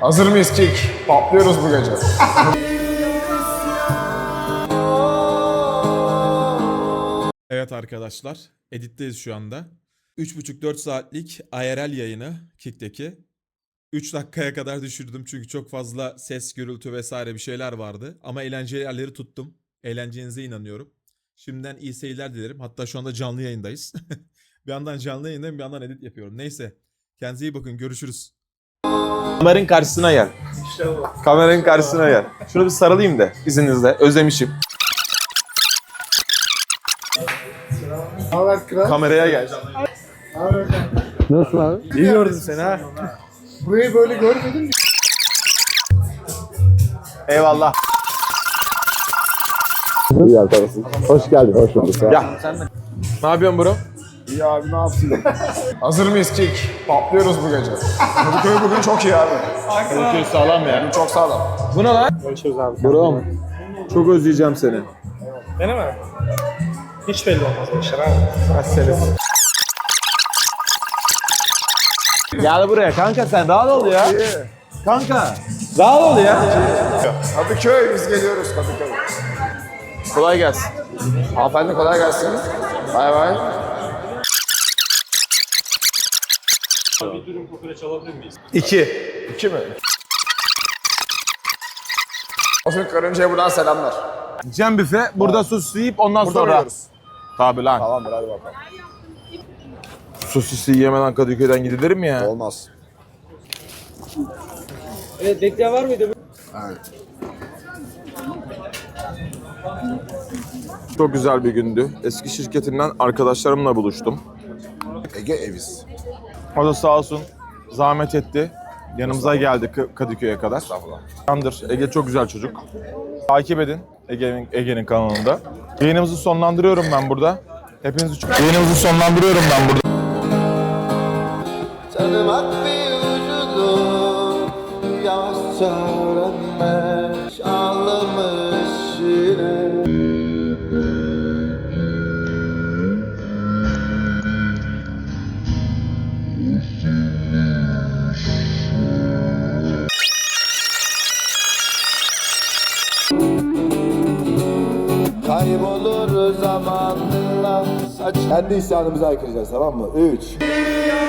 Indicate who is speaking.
Speaker 1: Hazır mıyız Kick? Patlıyoruz bu gece.
Speaker 2: Evet arkadaşlar, editteyiz şu anda. 3,5-4 saatlik IRL yayını Kick'teki. 3 dakikaya kadar düşürdüm çünkü çok fazla ses, gürültü vesaire bir şeyler vardı. Ama eğlenceli yerleri tuttum. Eğleneceğinize inanıyorum. Şimdiden iyi seyirler dilerim. Hatta şu anda canlı yayındayız. Bir yandan canlı yayındayım, bir yandan edit yapıyorum. Neyse, kendinize iyi bakın, görüşürüz.
Speaker 3: Kameranın karşısına gel. Kameranın karşısına gel. Şunu bir sarılayım da izninizle. Özlemişim. Kameraya gel.
Speaker 4: Nasıl abi?
Speaker 3: İyi gördüm seni ha.
Speaker 1: Burayı böyle görmedim mi?
Speaker 3: Eyvallah.
Speaker 4: İyi arkadaşım. Hoş geldin, hoş bulduk.
Speaker 3: Ya sen de. Ne yapıyorsun bro?
Speaker 1: İyi abi ne yapsın? Hazır mıyız Kick? Patlıyoruz bu gece. Kadıköy bugün çok iyi abi.
Speaker 3: Kadıköy sağlam ya.
Speaker 1: Bugün çok sağlam.
Speaker 3: Bu ne lan?
Speaker 4: Görüşürüz abi.
Speaker 3: Bro. Çok özleyeceğim seni.
Speaker 5: Beni mi? Hiç belli olmaz bu işler abi.
Speaker 3: Gel buraya kanka, sen rahat ol ya. Kanka rahat ol ya.
Speaker 1: Kadıköy biz geliyoruz Kadıköy.
Speaker 3: Kolay gelsin.
Speaker 1: Hanımefendi kolay gelsin. Bay bay.
Speaker 5: Bir dürüm kokoreç alabilir miyiz?
Speaker 3: 2.
Speaker 1: 2 mi? Olsun Karınca'ya buradan selamlar.
Speaker 3: Cem büfe. Burada sus yiyip ondan
Speaker 1: Burada
Speaker 3: sonra.
Speaker 1: yiyoruz.
Speaker 3: Tabii lan.
Speaker 1: Tamamdır hadi bakalım.
Speaker 3: Sosisi yemeden Kadıköy'den gidilir mi ya?
Speaker 1: Olmaz.
Speaker 5: Evet, bekleyen var mıydı?
Speaker 1: Evet.
Speaker 3: Çok güzel bir gündü. Eski şirketimden arkadaşlarımla buluştum.
Speaker 1: Ege Eviz.
Speaker 3: O da sağ olsun zahmet etti. Yanımıza geldi Kadıköy'e kadar. Yandır. Ege çok güzel çocuk. Takip edin Ege'nin kanalında. Yayınımızı sonlandırıyorum ben burada. Yayınımızı sonlandırıyorum ben burada.
Speaker 6: Tanımak bir vücudu yavaşça öğrenmek ağlamış yine. Kaybolur zamanla saç. Kendi isyanımızı haykıracağız, tamam mı? 3